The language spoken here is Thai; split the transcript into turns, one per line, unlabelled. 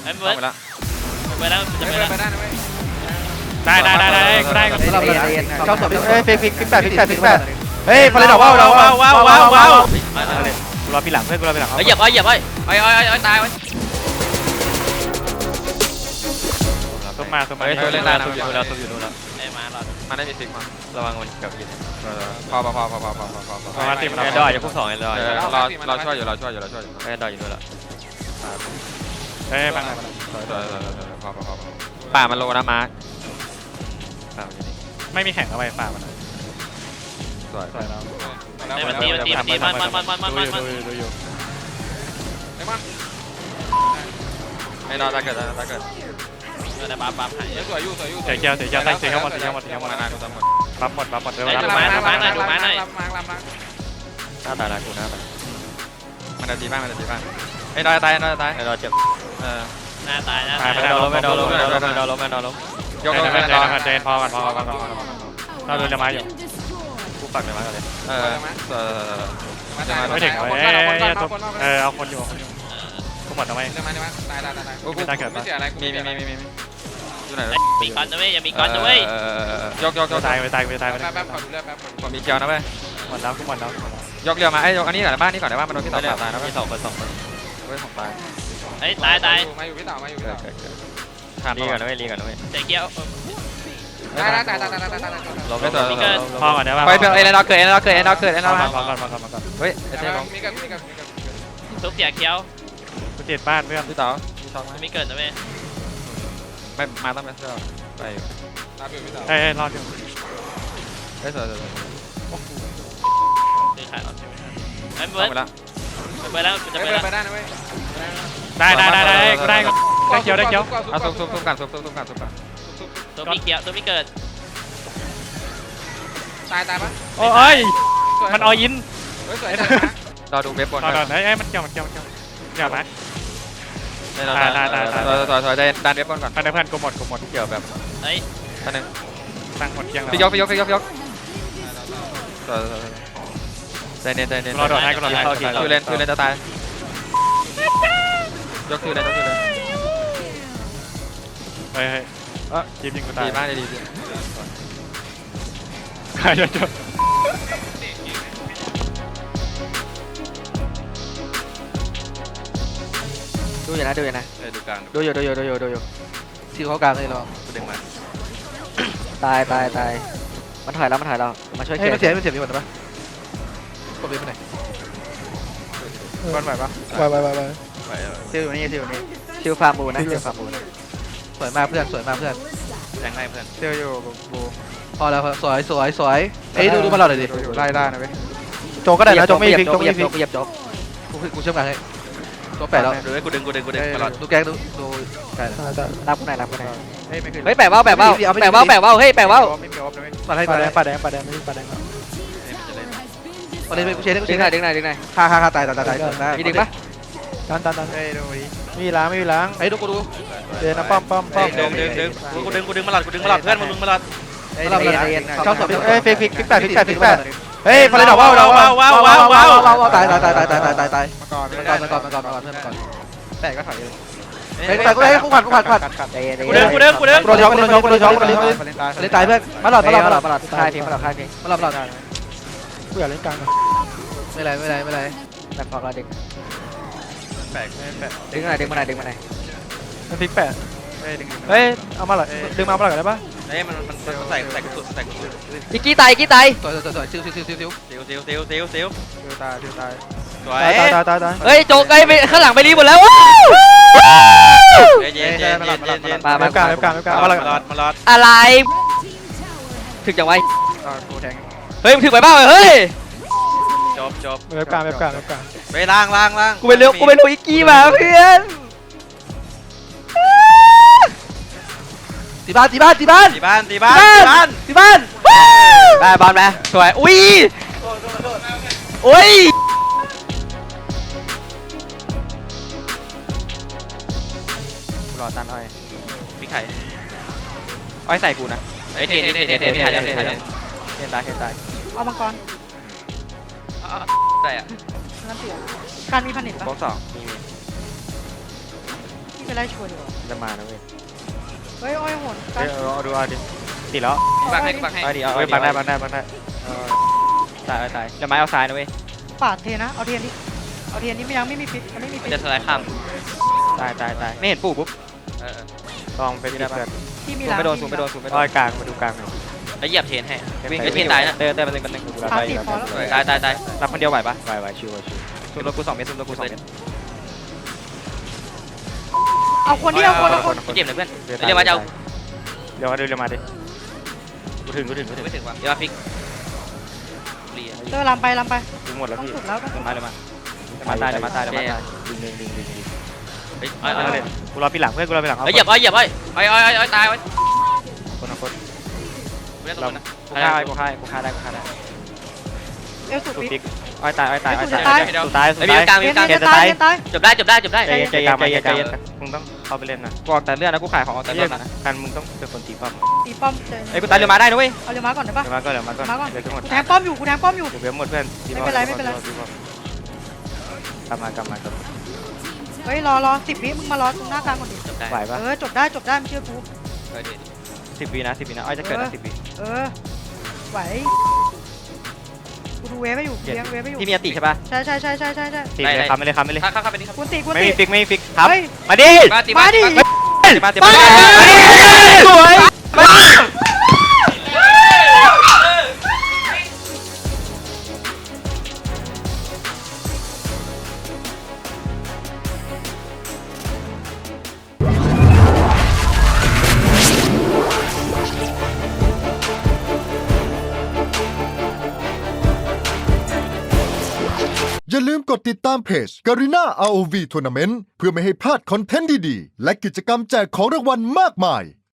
ไอ้เบิร์ดไปแล้วจะไปแล้ว
ได้นะเว้ย
ได้เข้าสอบฟิกแปดเฮ้ยพอเลยดอกว้าวรอปีหลังเพื่อนกูรอปีหลัง
เหยียบไว้เหยียบไว้ไอ้ตายไว้
ต้นมา
เล่นได้นะ
อยู่แล้วไอ้มารอ
มันได้มีฟิกมา
ระวังมันกับยิง
พอ
มาตีมัน
ไอ้ดอยจะพุ่งสองไอ้ดอย
เราช่วยอยู่
ไอ้ดอยอยู่ด้วยละ
เฮ้ยมา
พอป่ามันโลนะมาร์ค
ไม่มีแข่งเอาไว้ฝากมัน
สวย
สวยแล้ว
มันตีมัน
ดูอยู่
ไอ้นอนตาเกิด
ได้ปั๊บหาย
สวยอยู่
เสียเจ้าใส่หมด
มานานกูตามหมด
รับหมดเร็ว
หน้าตาละกูหน้าตา
มันจะตีบ้างไอ้นอนตาย
ไอ้ดอยเจ็บหน้าตายไม่โดนล้ม
ยก
เจนพอกันเราโดนจะมาอยู่
กูปักเลยมาเลย
ไม่ถึงเอาคนอยู่กูหมดทำไม
ตายไม่เสียอะไรมีอยู่ไหน
มีก้อนนะเว้ยอย่ามีก้อนนะเว้ย
ยก
ตายไป
แป๊บขอดูเลือดแป๊บผมมีเกียวนะเว้ย
หมดแล้วกูหมดแล้ว
ยกเรือมาไอ้ยกอันนี้ก่อนบ้านนี้ก่อนได้ว่ามันโดนพี่ต่อตายนะเว้ย
มี2 คน
เว้ยผมตาย
ไอ้ตาย
มาอยู่พี่ต่อทาน
รีกันนะเว้ยเจ๊เกี้ยว
ตาย
ล้มได้ตัวมีเกิน
พอก่อนได้ป่ะ
ไปเป็นไอ้เราเกิดมาเฮ้ยไอ้เจ๊ลง
ทุบเสียเกี้ยว
กูเจ็ดบ้านเพื่อน
พี่ต่อมีช็อตไหม
มีเกินนะเว้ย
ไม่มาต้องไปเสื้อไป
เฮ้ยรอดอยู่
เฮ้ยสวย
ซื้อขายออนไอ้เบิ
ต้
ร์
อง
ด
ไปละ
ไปแล้วจะไปแล้ว
ไปได้นะเว้ย
ได้กูได้เขียว
เอาซุ่มกัน
ตัวมีเกี้ยวตัวมีเกิด
ตายปะ
โอ้ยมันออิน
เฮ้ยสวยเราดูเว็บบน
ตอนเฮ้ยมันเกี่ยวอย่ามา
ต่อดันเว็บบนก่อน
เพื่อนกูหมด
เกี่ยวแบบ
เฮ้ย
ท่านนึง
ตั้งหมดเกียง
พี่ยกใจเย็น
รอโดดให้กูรอให้
คือเล่นจะตายยกคือเล่น
เฮ้ยจีบยิงกูตาย
ดีมากดี
ใครจะจบ
ดูอยู่นะ
ดูกลาง
ดูอยู่ซิวเขากลางเลยลอง
กูดึงมา
ตายมันถอยแล้วมาช่วยเกียร์
มันเสียมีหมดปะกดเรียนไปไหนบอลไหวปะไหว
ซิวอยู่นี่ซิวฟาร์มูนะ
สวยมากเพื่อน
แทงให้เพื่อน
เที่ยวอยู่บูพอแล้วสวยเอ้ยดูมาหลอดเลยดิไล่ได้นะเว้ยโจก็ได้นะโจไม่ฟิก
เหยียบโจ๊ก
กูเชื่อมกันให้โจแปะแล้ว
ดูให้กูดึงตลอด
ดูแกงดูใช่
รับกูไหน
เฮ้ยไม่ขึ้น
เฮ้ยแปะว่าวเฮ้ยแปะว่าว
ไม่มีออฟนะเว้ยปาแดงไม่มีปาแดงประเด็นเป็นกูเชนกู
ดึ
เช
ง
น
หน่อยดึงหน่อย
ฆ่าตาย
มีดึงปะ
ดันเฮ้ยดูดิไม่มีล้างเฮ้ยดูกูดูเดินนะป้อม
กูดึงมาหลอดเพื่อนมึงมาหลอด
เข้าสอบเอ้ยฟิกแปดเฮ้ยพอเลยดอกว้าวตายมาก่อนเพื่อนมาก่อนแตกก็ถอยเลยแต่กูได้กูผัด
ใจเย็น
กูดึง
กูโดนช็อกเลยตายเพื่อนมาหลอด
ค่ายทีมาหลอด
กูอยากเล่นกลางไม่ไร
แบบพอเราดึง
แปลก
ดึงมาหน่อย
มันฟิกแปดเฮ้ยเอามาหลอดดึงมาหลอดได้ปะ
เฮ้ยมันใส่กระสุน
อีกกี้ตาย
สวยซิว
ซิวตาย
สวย
ตาย
เฮ้ยโจ๊กไปข้างหลังไปรีหมดแล้ว
เย็น
มาการมาหลอด
อะไรถึงจังไว
กูแทง
เฮ้ยมึงถึงไปบ้าเฮ้ย
จบ
เว็บกลาง
ไปล่าง
กูไปเร็วอีกกี้มาเพื่อน
ตีบ้าน
ได้บอลไหมสวยอุ้ย
รอตันอ้อยพี่ไข่อ้อยใส่กูนะไอ้เทนตาย
เอามังกร
ได้อะ
นั่นเสียการมีผนิตปะ
บล็อก2มี
ที่ไม่ไล่ชัวร์ดีกว่า
จะมานะเว้ย
เฮ้ยอ้อยโหนกั
เฮ้
น
ยเอาดูเอาดิติดแล้ว
บังให้บังให้
เอาดิเอา
เฮ้ย
ดิ
บังได้บังได้บังได้
ตายตายแล้วไม้เอาซ้ายนะเว้ย
ปาดเทนะเอาเทียนดิเอาเทียนนี้ยังไม่มีฟิตยังไม่มี
มั
ฟิ
น
ต
จะสไลด์ข้าม
ตายตายตายไม่เห็นปู่ปุ๊บ
เออ
ลองไปที่ได้ปะ
ที่มี
ซูม
ล้าง
ไม่โดนซูมไม่โดนซูมไม่โด
อ้อน ยกลางมาดูกลางหน่อย
แล้วเหยียบเทนให้
วิ่ง
เทนตายนะ
เต้เป็นหนึ่งเป็นหนึ่ง
กูรับได้อยู่รับได้
ตาย
รับคนเดียวไหวปะ
ไหวชิวชิว
ซูมตัวกู2 เมตรซูมตัวกู2 เมตร
เอาคนที่เอาคนเอาคน
พี่เจ็บเลยเพื่อนเรียกว่าจะเอา
เดี๋ยวมาดูเดี๋ยวมาดิกูถึง
ไม่ถึงว่ะเดี๋ยวมาฟิกเรีย
เตอร์ลำไป
กูหมดแล้ว
ต้อง
พี่
สุดแล้วต้องสุด
มาเลยมาตายเลยมาตายเลยมาตาย
ดึง
เฮ้ย
กูรอปีหลังเพื่อนกูรอปีหลัง
เหยียบตาย
คนละคน
ไม่ได้ตรงนั้น
กูฆ่าได้กูฆ่าได้
เอลสุด
สุด
ฟิ
ติ๊
ต
ก
อ้อยตาย
สุดตาย
สุดท้ายสุดท้าย
ไม่มีกลาง
เทียนจะตายเทียนตาย
จบได้
ใจเย็นใจเย็นใจเย็นใจเย็น
มึงต้องเข้าไปเล่นนะ
กูออกแต่เลือดนะกูขายของออกแต่เลือดนะ
การมึงต้องเป็นคนตีป้อม
ตีป้อมเจอ
ไอ้กูตายเรือมาได้นะเว้ย
เอาเรือม้าก่อนได้ปะ
เดี๋ยวมาก็เดี๋ยวมาก็
มาก่อน
เดี๋ยวทั้งหมด
กูแทงป้อมอยู่กูแทงป้อมอยู่
กูเบี้ยหมดเพื่อนกลับมากลับ
เฮ้ยรอ10 วิมึงมารอตรงหน้ากลางก่อนดิ
จบได้
ไหวปะ
จบได้มึงเชื่อกู
10 วินะอ้อยจะเกิดนะ10 วิ
ไหวกูดูเวฟไม่อยู่เลี้ยงเวฟไม่อยู่
พี่มีอติใช่ปะ
ใช่
ตีเลยคำไม่เลย
เข้าไปนี่ครับ
กูตี
ไม่มีฟิกไม่มีฟิกครับ
เฮ้ย
มาดิ
มาดิ
มา
สวย
อย่าลืมกดติดตามเพจ Garena ROV Tournament เพื่อไม่ให้พลาดคอนเทนต์ดีๆ และกิจกรรมแจกของรางวัลมากมาย